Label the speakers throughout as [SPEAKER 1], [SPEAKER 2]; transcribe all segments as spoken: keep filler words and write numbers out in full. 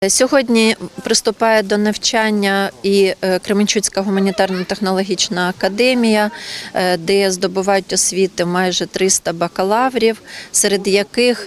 [SPEAKER 1] Сьогодні приступає до навчання і Кременчуцька гуманітарно-технологічна академія, де здобувають освіти майже триста бакалаврів, серед яких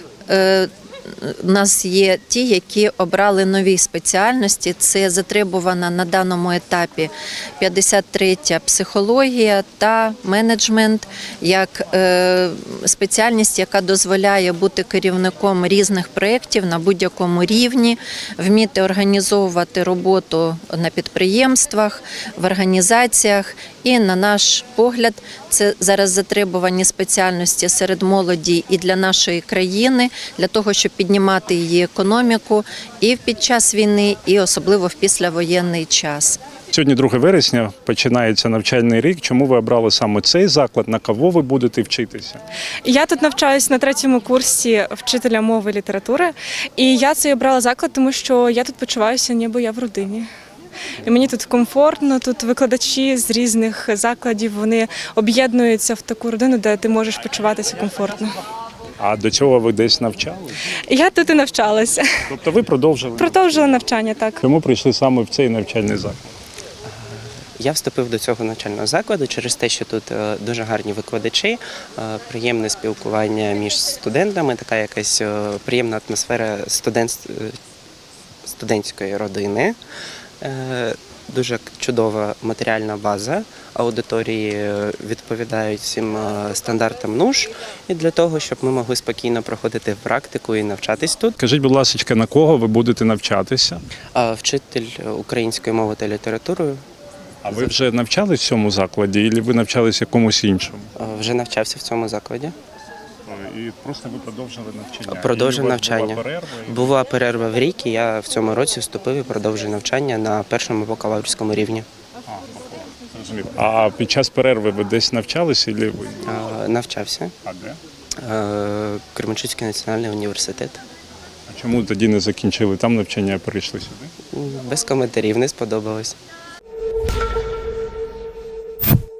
[SPEAKER 1] у нас є ті, які обрали нові спеціальності. Це затребувана на даному етапі п'ятдесят третя психологія та менеджмент як спеціальність, яка дозволяє бути керівником різних проєктів на будь-якому рівні, вміти організовувати роботу на підприємствах, в організаціях. І, на наш погляд, це зараз затребувані спеціальності серед молоді і для нашої країни, для того, щоб піднімати її економіку і під час війни, і особливо в післявоєнний час.
[SPEAKER 2] Сьогодні друге вересня, починається навчальний рік. Чому ви обрали саме цей заклад? На кого ви будете вчитися?
[SPEAKER 3] Я тут навчаюся на третьому курсі вчителя мови і літератури. І я цей обрала заклад, тому що я тут почуваюся, ніби я в родині. І мені тут комфортно, тут викладачі з різних закладів, вони об'єднуються в таку родину, де ти можеш почуватися комфортно.
[SPEAKER 2] А до цього ви десь навчали?
[SPEAKER 3] Я тут і навчалася.
[SPEAKER 2] Тобто ви продовжили?
[SPEAKER 3] Продовжила навчання, так.
[SPEAKER 2] Чому прийшли саме в цей навчальний заклад?
[SPEAKER 4] Я вступив до цього навчального закладу через те, що тут дуже гарні викладачі, приємне спілкування між студентами, така якась приємна атмосфера студент... студентської родини. Дуже чудова матеріальна база, аудиторії відповідають всім стандартам НУШ, і для того, щоб ми могли спокійно проходити практику і навчатись тут.
[SPEAKER 2] Скажіть, будь ласка, на кого ви будете навчатися?
[SPEAKER 4] Вчитель української мови та літератури.
[SPEAKER 2] А ви вже навчались в цьому закладі, або ви навчалися якомусь іншому?
[SPEAKER 4] Вже навчався в цьому закладі.
[SPEAKER 2] І просто ви продовжили навчання?
[SPEAKER 4] Продовжив навчання.
[SPEAKER 2] Була перерва?
[SPEAKER 4] Була перерва в рік, і я в цьому році вступив і продовжив навчання на першому бакалаврському рівні.
[SPEAKER 2] А, а під час перерви ви десь навчалися? Або ви...
[SPEAKER 4] А, навчався.
[SPEAKER 2] А де?
[SPEAKER 4] Кременчуцький національний університет.
[SPEAKER 2] А чому тоді не закінчили там навчання, а перейшли сюди?
[SPEAKER 4] Без коментарів, не сподобалось.